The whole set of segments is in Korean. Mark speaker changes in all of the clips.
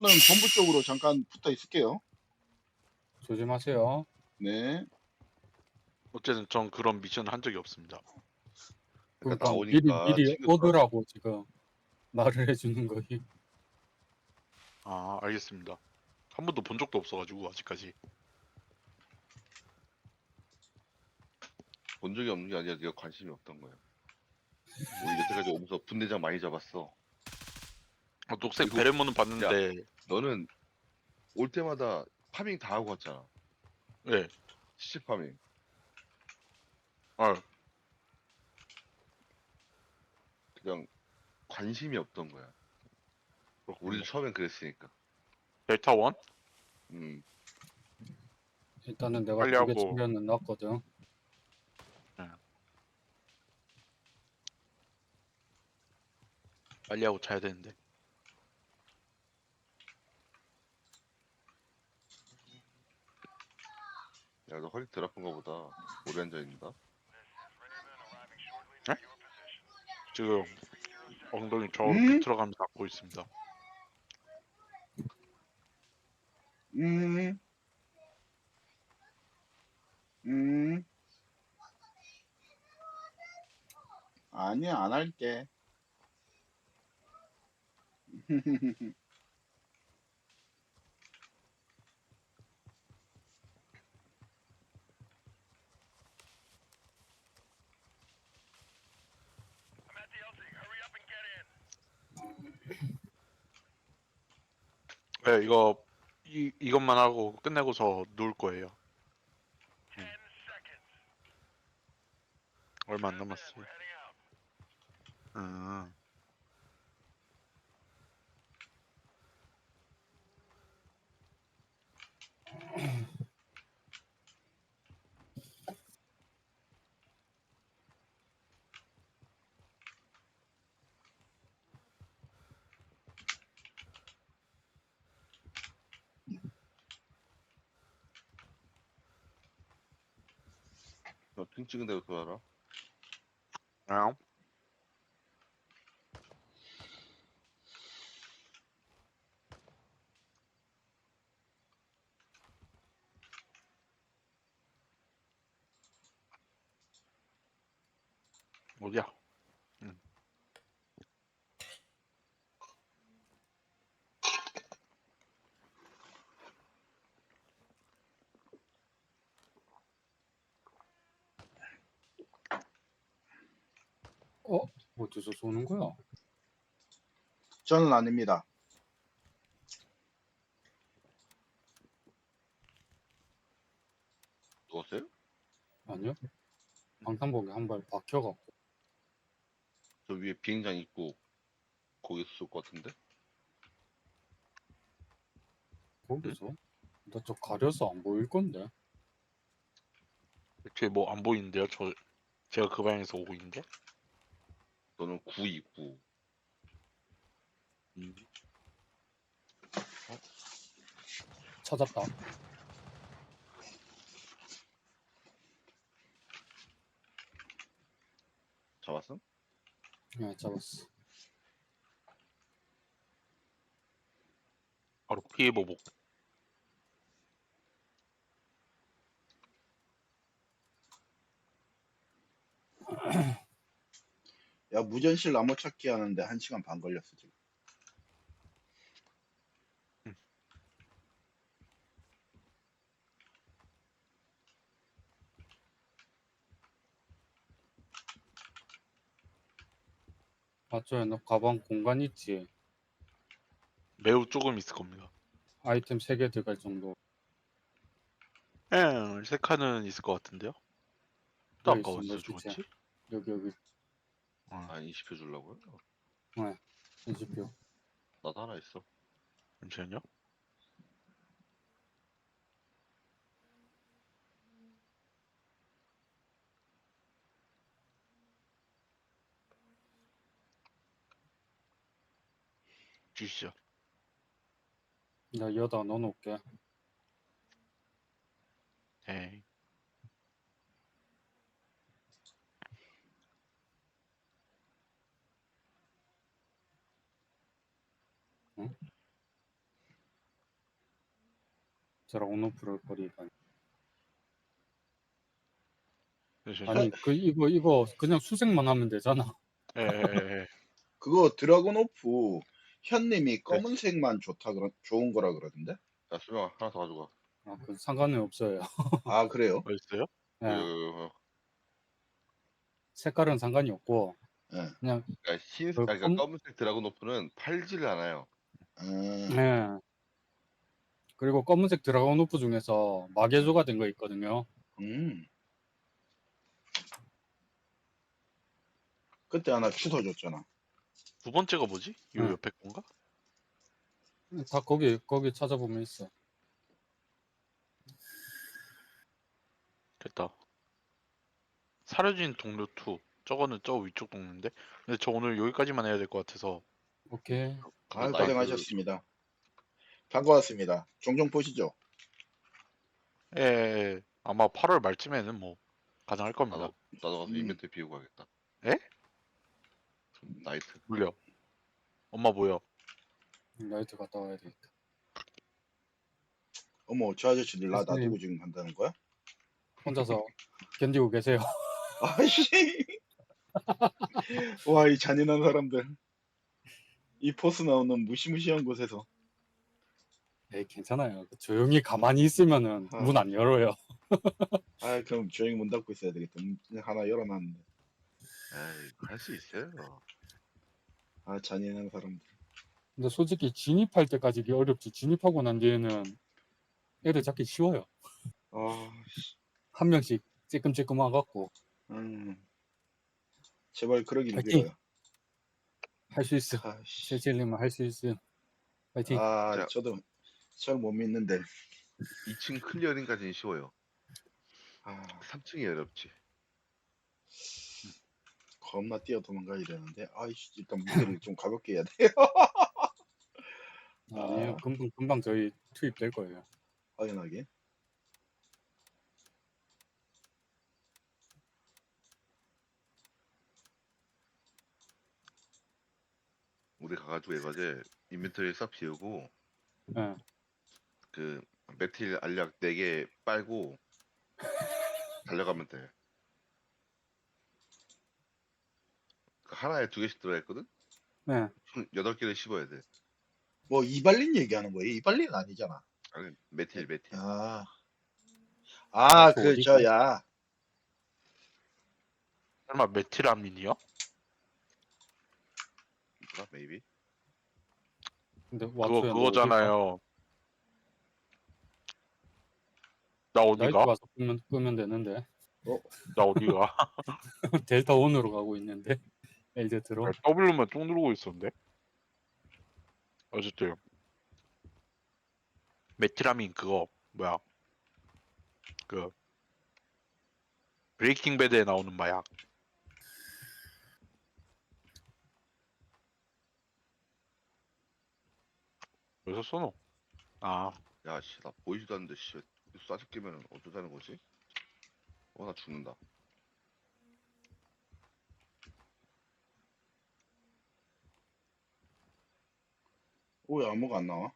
Speaker 1: 본부 쪽으로 잠깐 붙어 있을게요.
Speaker 2: 조심하세요.
Speaker 1: 네.
Speaker 3: 어쨌든 전 그런 미션을 한 적이 없습니다.
Speaker 2: 그러니까
Speaker 4: 나오니까
Speaker 2: 미리
Speaker 4: 챙겨두라.
Speaker 2: 오더라고 지금 말을 해주는 거이.
Speaker 3: 아, 알겠습니다. 한 번도 본 적도 없어가지고 아직까지.
Speaker 4: 본 적이 없는 게 아니라 네가 관심이 없던 거야. 우리 여태까지 오면서 분대장 많이 잡았어.
Speaker 3: 녹색
Speaker 4: 그리고-
Speaker 3: 베레모는 봤는데,
Speaker 4: 너는 올 때마다 파밍 다 하고 갔잖아.
Speaker 3: 네.
Speaker 4: 시체 파밍.
Speaker 3: 아,
Speaker 4: 그냥 관심이 없던 거야. 우리도 처음엔 그랬으니까.
Speaker 3: 델타 원?
Speaker 2: 일단은 내가
Speaker 3: 빨리
Speaker 2: 2개
Speaker 3: 하고.
Speaker 2: 챙겨는 놨거든.
Speaker 3: 빨리 하고 자야 되는데.
Speaker 4: 야, 너 허리 덜 아픈가 보다. 오래 앉아있는다.
Speaker 3: 지금 엉덩이 저로
Speaker 1: 음?
Speaker 3: 비틀어가면서 닦고 있습니다.
Speaker 1: 음. 아니야, 안 할게.
Speaker 3: 네, 이것만 하고 끝내고서 누울 거예요. 얼마 안 남았어요.
Speaker 4: 너등 찍은 대로 돌아라.
Speaker 3: 아, 어디야?
Speaker 2: 어디서 쏘는 거야?
Speaker 1: 저는 아닙니다.
Speaker 4: 누웠어요?
Speaker 2: 아니요. 방탄복에 한 발 박혀갖고.
Speaker 4: 저 위에 비행장 있고 거기서 쏠 것 같은데?
Speaker 2: 거기서? 나 저 가려서 안 보일 건데.
Speaker 3: 이렇게 뭐 안 보이는데요? 제가 그 방향에서 오고 있는데?
Speaker 4: 너는 9 있고.
Speaker 2: 찾았다.
Speaker 4: 잡았어?
Speaker 2: 네, 잡았어.
Speaker 3: 바로 피해 보복.
Speaker 1: 야, 무전실 나무 찾기 하는데 1시간 반 걸렸어, 지금.
Speaker 2: 맞죠? 너 가방 공간 있지?
Speaker 3: 매우 조금 있을 겁니다.
Speaker 2: 아이템 3개 들어갈 정도.
Speaker 3: 세 칸은 있을 것 같은데요? 또
Speaker 2: 여기
Speaker 3: 아까
Speaker 2: 있어, 너
Speaker 3: 어디서
Speaker 2: 주체.
Speaker 3: 죽었지?
Speaker 2: 여기.
Speaker 4: 아, 인식해 주려고요?
Speaker 2: 네. 20표.
Speaker 4: 나도 하나 있어.
Speaker 3: 잠시만요. 주시죠.
Speaker 2: 나 여다 넣어놓을게.
Speaker 3: 네.
Speaker 2: 응? 드라곤오프를 버리다니.
Speaker 3: 네,
Speaker 2: 아니 그 이거 그냥 수색만 하면 되잖아.
Speaker 3: 예, 예, 예.
Speaker 1: 그거 드라곤 오프 현님이 검은색만 좋은 거라 그러던데?
Speaker 4: 야, 수명아, 하나 더 가져가.
Speaker 2: 아, 그 상관은 없어요.
Speaker 1: 아, 그래요?
Speaker 3: 어딨어요?
Speaker 2: 예,
Speaker 4: 그,
Speaker 2: 색깔은 상관이 없고
Speaker 1: 예.
Speaker 2: 그냥
Speaker 4: 그러니까
Speaker 2: 그
Speaker 4: 그러니까 검은색 드라곤오프는 팔지를 않아요.
Speaker 2: 예. 그리고 검은색 드라곤오프 중에서 마개조가 된 거 있거든요.
Speaker 1: 음. 그때 하나 주워줬잖아.
Speaker 3: 두 번째가 뭐지? 요
Speaker 2: 응.
Speaker 3: 옆에 건가?
Speaker 2: 다 거기 찾아보면 있어.
Speaker 3: 됐다. 사려진 동료 2. 저거는 저 위쪽 동료인데. 근데 저 오늘 여기까지만 해야 될 것 같아서.
Speaker 2: 오케이.
Speaker 1: 아,
Speaker 4: 나이트-
Speaker 1: 고생하셨습니다. 반가웠습니다. 종종 보시죠.
Speaker 3: 예, 예, 예. 아마 8월 말쯤에는 뭐 가능할 겁니다.
Speaker 4: 나도 가서
Speaker 1: 음.
Speaker 4: 이벤트 비우고 가겠다.
Speaker 3: 에?
Speaker 4: 나이트.
Speaker 3: 물려. 엄마 뭐야?
Speaker 2: 라이트 갔다 와야 되겠다.
Speaker 1: 어머, 저 아저씨들 나
Speaker 2: 교수님.
Speaker 1: 놔두고 지금 간다는 거야?
Speaker 2: 혼자서 견디고 계세요.
Speaker 1: 아이씨. 와, 이 잔인한 사람들. 이 포스 나오는 무시무시한 곳에서.
Speaker 2: 에이, 괜찮아요. 조용히 가만히 있으면은
Speaker 1: 아.
Speaker 2: 문 안 열어요.
Speaker 1: 아, 그럼 조용히 문 닫고 있어야 되겠다. 문 하나 열어놨는데.
Speaker 4: 에이, 할 수 있어요.
Speaker 1: 아, 잔인한 사람들.
Speaker 2: 근데 솔직히 진입할 때까지 이게 어렵지. 진입하고 난 뒤에는 애들 잡기 쉬워요.
Speaker 1: 아,
Speaker 2: 한 명씩 찔끔찔끔 와갖고
Speaker 1: 음. 제발 그러길
Speaker 2: 파이팅!
Speaker 1: 빌어요.
Speaker 2: 할 수 있어.
Speaker 1: 아씨.
Speaker 2: 실질님은 할 수 있어. 파이팅.
Speaker 1: 아,
Speaker 4: 자.
Speaker 1: 저도 잘 못 믿는데.
Speaker 4: 2층 클리어링까지는 쉬워요.
Speaker 1: 아,
Speaker 4: 3층이 어렵지.
Speaker 1: 겁나 뛰어 도망가야 되는데. 아이씨, 일단 무게를 좀 가볍게 해야 돼요.
Speaker 2: 아니에요.
Speaker 1: 아.
Speaker 2: 금방 저희 투입될 거예요.
Speaker 1: 확연하게.
Speaker 4: 우리 가가지고 에바제 인벤토리 싹 비우고
Speaker 2: 예.
Speaker 4: 그 메틸 알약 4개 빨고 달려가면 돼. 그 하나에 2개씩 들어있거든?
Speaker 2: 예.
Speaker 4: 총 8개를 씹어야 돼.
Speaker 1: 뭐 이발린 얘기하는 거예요? 이발린 아니잖아.
Speaker 4: 아니, 메틸.
Speaker 1: 아,
Speaker 2: 그
Speaker 1: 그
Speaker 2: 어디가?
Speaker 1: 저야.
Speaker 3: 설마 메틸아민이요?
Speaker 4: 뭐라, 메이비?
Speaker 2: 근데
Speaker 3: 그거
Speaker 2: 왓초야 너
Speaker 3: 그거잖아요. 나
Speaker 2: 어디가? 나이트
Speaker 3: 어디가?
Speaker 2: 가서 끄면 되는데.
Speaker 3: 나 어디가?
Speaker 2: 델타 1으로 가고 있는데. 엘제트로.
Speaker 3: 아, W만 쭉 누르고 있었는데. 어쨌든 메틸아민 그거 뭐야? 그 브레이킹 배드에 나오는 마약. 어디서 써노? 아,
Speaker 4: 야, 씨, 나 보이지도 않는데, 씨, 쏴죽 끼면 어쩌자는 거지? 나 죽는다.
Speaker 1: 왜 아무가 안 나와?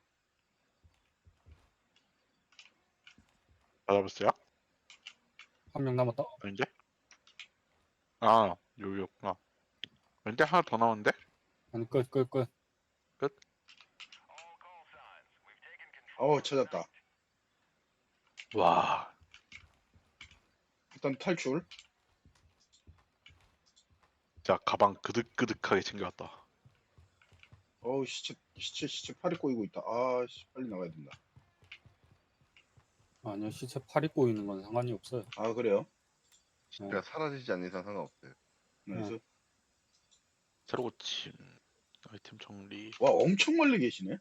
Speaker 3: 받아봤어요?
Speaker 2: 한 명 남았다.
Speaker 3: 아닌데? 아, 여기였구나. 근데 하나 더 나오는데?
Speaker 2: 아니 끝.
Speaker 1: 찾았다.
Speaker 3: 와,
Speaker 1: 일단 탈출.
Speaker 3: 진짜 가방 그득그득하게 챙겨왔다.
Speaker 1: 시체 팔이 꼬이고 있다. 씨, 빨리 나가야 된다.
Speaker 2: 아니요, 시체 팔 입고 있는 건 상관이 없어요.
Speaker 1: 아, 그래요?
Speaker 4: 그냥 사라지지 않는 이상 상관없어요.
Speaker 1: 그래서
Speaker 3: 새로 고침 아이템 정리.
Speaker 1: 와, 엄청 멀리 계시네.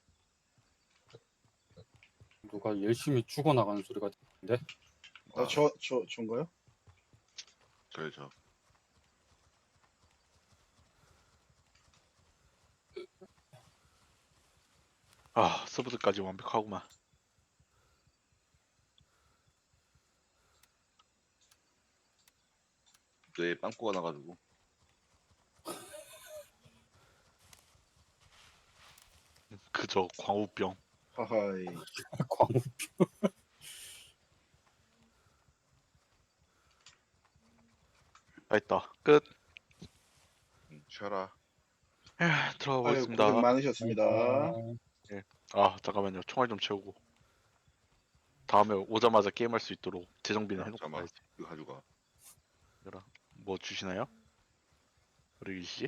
Speaker 2: 누가 열심히 죽어나가는 소리가 들리는데.
Speaker 1: 저인가요?
Speaker 4: 저.
Speaker 3: 아, 서브드까지 완벽하구만.
Speaker 4: 뇌에 빵꾸가 나가지고.
Speaker 3: 그저 광우병.
Speaker 1: 하하이.
Speaker 2: 광우.
Speaker 3: 다 했다. 끝.
Speaker 4: 쉬어라.
Speaker 3: 들어가
Speaker 1: 아유, 고생
Speaker 3: 보겠습니다.
Speaker 1: 많으셨습니다.
Speaker 3: 아 잠깐만요. 총알 좀 채우고. 다음에 오자마자 게임할 수 있도록 재정비는
Speaker 4: 야,
Speaker 3: 해놓고
Speaker 4: 잠깐만.
Speaker 3: 가야지.
Speaker 4: 이거 가져가.
Speaker 3: 얘들아, 뭐 주시나요? 우리 씨?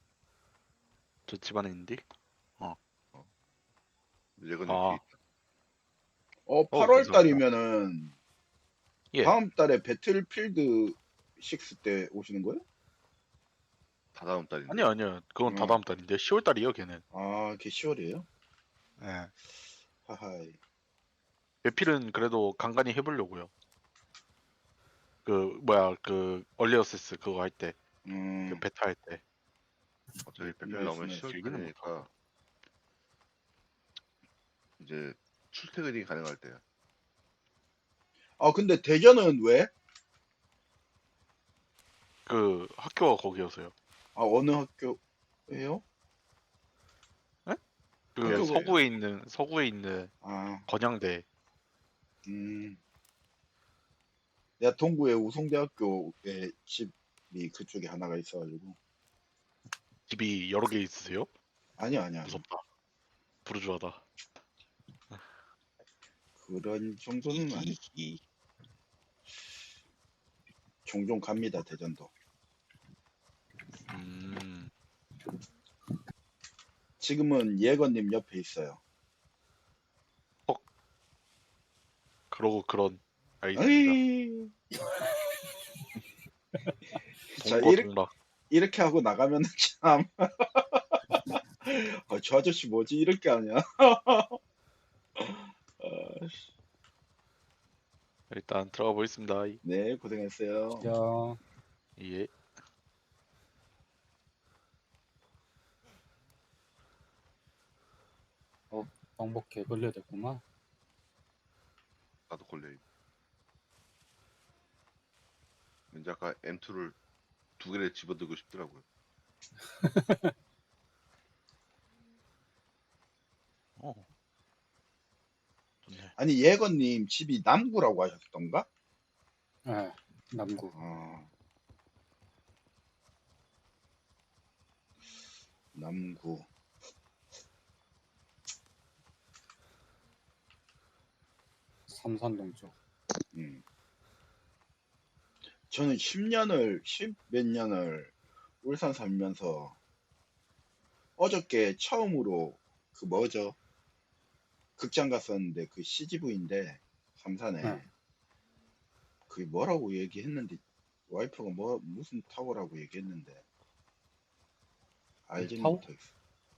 Speaker 3: 저 집안에 있는데?
Speaker 4: 얘건
Speaker 3: 아.
Speaker 4: 여기.
Speaker 1: 8월
Speaker 3: 감사합니다.
Speaker 1: 달이면은
Speaker 3: 예.
Speaker 1: 다음 달에 배틀필드 6 때 오시는 거예요?
Speaker 4: 다 다음 달인데.
Speaker 3: 아니요. 그건 다 다음 달인데 10월 달이에요, 걔는.
Speaker 1: 아, 그게 10월이에요?
Speaker 3: 예.
Speaker 1: 하하이.
Speaker 3: 배필은 그래도 간간히 해보려고요. 그 얼리 어세스 그거 할 때, 그 베타 할 때.
Speaker 4: 어차피 배필 나오면
Speaker 1: 말씀을
Speaker 4: 10월
Speaker 3: 길게는
Speaker 4: 달이니까 이제 출퇴근이 가능할 때야.
Speaker 1: 아, 근데 대전은 왜?
Speaker 3: 그 학교가 거기여서요.
Speaker 1: 아, 어느 학교예요?
Speaker 3: 그
Speaker 1: 학교가-
Speaker 3: 서구에 있는
Speaker 1: 아,
Speaker 3: 건양대.
Speaker 1: 내가 동구에 우송대학교에 집이 그쪽에 하나가 있어가지고.
Speaker 3: 집이 여러 개 있으세요?
Speaker 1: 아니야.
Speaker 3: 무섭다. 부르주아다.
Speaker 1: 그런 정도는 아니. 종종 갑니다, 대전도. 지금은 예건님 옆에 있어요.
Speaker 3: 그러고 그런. 알겠습니다.
Speaker 1: 에이. 자,
Speaker 3: 동거동락.
Speaker 1: 이렇게 하고 나가면 참. 저 아저씨 뭐지? 이렇게 하냐?
Speaker 3: 일단 들어가 보겠습니다.
Speaker 1: 네, 고생했어요.
Speaker 2: 야,
Speaker 3: 예.
Speaker 2: 방법 개 걸려야 됐구만.
Speaker 4: 나도 걸려. 왠지 아까 M2를 2개를 집어들고 싶더라고요.
Speaker 3: 좋네.
Speaker 1: 아니, 예건님 집이 남구라고 하셨던가?
Speaker 2: 예, 남구.
Speaker 1: 남구.
Speaker 2: 삼산동 쪽.
Speaker 1: 저는 10 몇 년을 울산 살면서 어저께 처음으로 그 뭐죠? 극장 갔었는데 그 CGV인데 삼산에
Speaker 2: 응.
Speaker 1: 그게 뭐라고 얘기했는데 와이프가 무슨 타워라고 얘기했는데 알지는
Speaker 2: 타워?
Speaker 1: 못하겠어.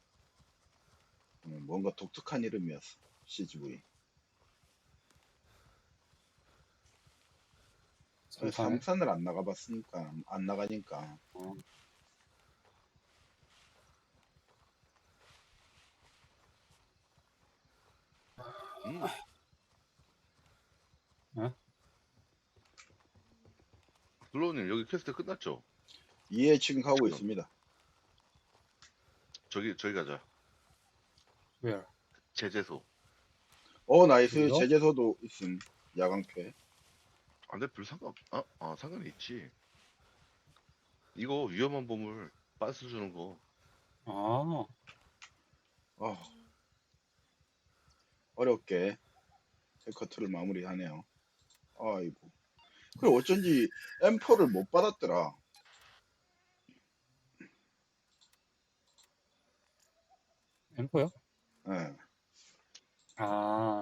Speaker 1: 뭔가 독특한 이름이었어. CGV.
Speaker 2: 삼산에.
Speaker 1: 삼산을 안 나가봤으니까 안 나가니까.
Speaker 2: 어.
Speaker 4: 블로우님 여기 퀘스트 끝났죠?
Speaker 1: 예, 지금 가고
Speaker 4: 지금.
Speaker 1: 있습니다.
Speaker 4: 저기 가자.
Speaker 2: Where?
Speaker 4: 제재소.
Speaker 1: 나이스.
Speaker 2: 그래요?
Speaker 1: 제재소도 있음. 야광패.
Speaker 4: 근데 별 상관 상관이 있지. 이거 위험한 보물 빤스 주는 거.
Speaker 2: 아,
Speaker 1: 어렵게 세커트를 마무리하네요. 아이고. 그래 어쩐지 M4를 못 받았더라.
Speaker 2: 엠퍼요?
Speaker 1: 예.
Speaker 2: 아,